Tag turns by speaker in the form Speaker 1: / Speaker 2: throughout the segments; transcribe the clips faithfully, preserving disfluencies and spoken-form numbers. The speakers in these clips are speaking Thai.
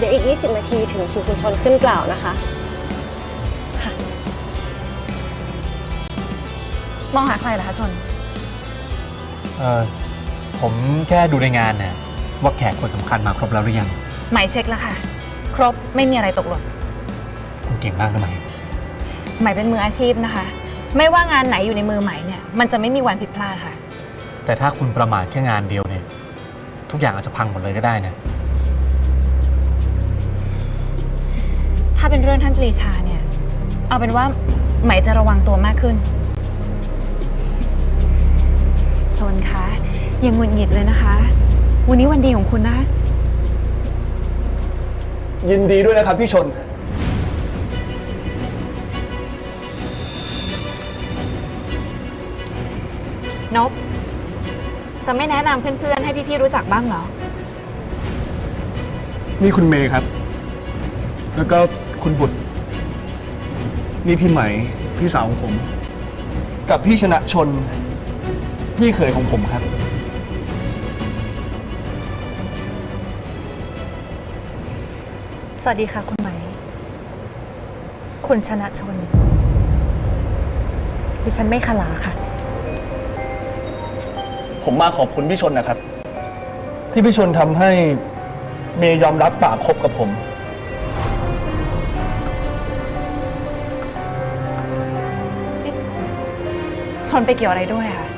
Speaker 1: เดี๋ยวอีกยี่สิบนาทีถึงคิวคุณชนขึ้นกล่าวนะคะค่ะ
Speaker 2: มองหาใครเหรอคะชน
Speaker 3: เออผมแค่ดูในงานน่ะว่าแขกคนสำคัญมาครบแล้วหรือยัง
Speaker 2: หมายเช็คแล้วค่ะ ครบไม่มีอะไรตกหล่น
Speaker 3: คุณเก่งมากนะไหม
Speaker 2: หมายเป็นมืออาชีพนะคะ ไม่ว่างานไหนอยู่ในมือหมายเนี่ยมันจะไม่มีวันผิดพลาดค่ะ
Speaker 3: แต่ถ้าคุณประมาทแค่งานเดียวเนี่ยทุกอย่างอาจจะพังหมดเลยก็ได้นะ
Speaker 2: ถ้าเป็นเรื่องท่านปรีชาเนี่ยเอาเป็นว่าหมายจะระวังตัวมากขึ้น ชนคะยังหงุดหงิดเลยนะคะ วันนี้วันดีของคุณนะ
Speaker 4: ยินดีด้วยนะครับพี่ชน
Speaker 2: นบจะไม่แนะนำเพื่อนๆให้พี่ๆรู้จักบ้างเหรอ
Speaker 4: นี่คุณเมย์ครับ แล้วก็คุณบุตร นี่พี่ไหมพี่สาวของผม กับพี่ชนะชน พี่เขยของผมครับ
Speaker 2: สวัสดีค่ะคุณไหม คุณชนะชน ดิฉันไม่ขลาค่ะ
Speaker 4: ผมมาขอบคุณพี่ชนนะครับ ที่พี่ชนทำให้เมย์ยอมรับปากคบกับผม
Speaker 2: ชนไปเกี่ยวอะไรด้วยคะ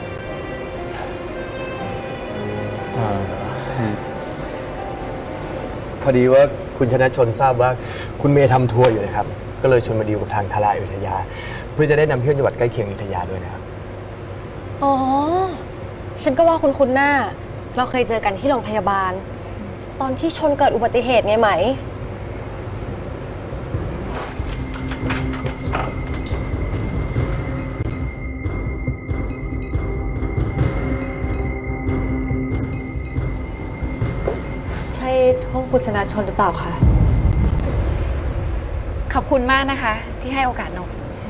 Speaker 5: พอดีว่าคุณชนะชนทราบว่าคุณเมย์ทำทัวร์อยู่นะครับ ก็เลยชวนมาดีลกับทางทาราอยุธยา เพื่อจะได้นำเที่ยวจังหวัดใกล้เคียงอยุธยาด้วยนะครับ
Speaker 1: อ๋อ ฉันก็ว่าคุณคุณหน้า เราเคยเจอกันที่โรงพยาบาล ตอนที่ชนเกิดอุบัติเหตุไงไหม ใช่ห้องคุณชนะชนหรือเปล่าคะ
Speaker 2: ขอบคุณมากนะคะ ที่ให้โอกาสนก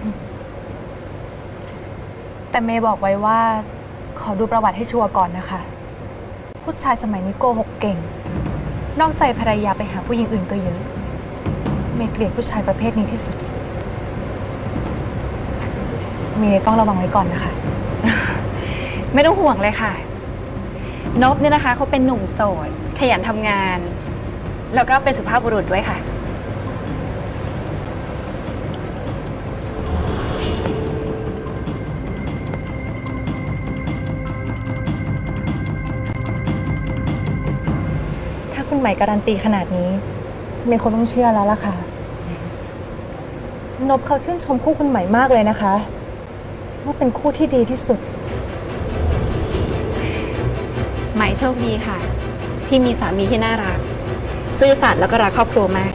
Speaker 2: แต่เมย์บอกไว้ว่า ขอดูประวัติให้ชัวร์ก่อนนะคะ ผู้ชายสมัยนี้โกหกเก่ง นอกใจภรรยาไปหาผู้หญิงอื่นก็เยอะ เมย์เกลียดผู้ชายประเภทนี้ที่สุด เมย์ต้องระวังไว้ก่อนนะคะ ไม่ต้องห่วงเลยค่ะ นบเนี่ยนะคะเขาเป็นหนุ่มโสด ขยันทำงาน แล้วก็เป็นสุภาพบุรุษด้วยค่ะ ถ้าคุณใหม่การันตีขนาดนี้ เมย์คงต้องเชื่อแล้วล่ะค่ะ นบเขาชื่นชมคู่คุณใหม่มากเลยนะคะ ว่าเป็นคู่ที่ดีที่สุด ใหม่โชคดีค่ะ ที่มีสามีที่น่ารัก ซื่อสัตย์แล้วก็รักครอบครัวมาก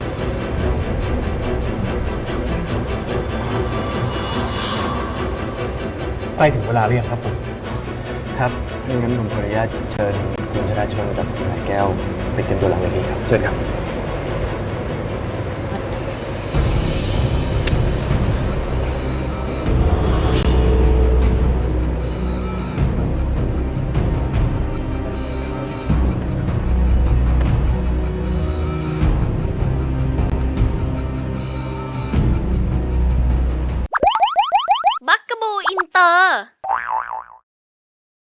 Speaker 3: ใกล้ถึงเวลาเรียงครับผม
Speaker 5: ครับถ้างั้นผมขออนุญาตเชิญคุณชนะชนกับนายแก้วไปเตรียมตัวหลังเวทีครับ เชิญครับ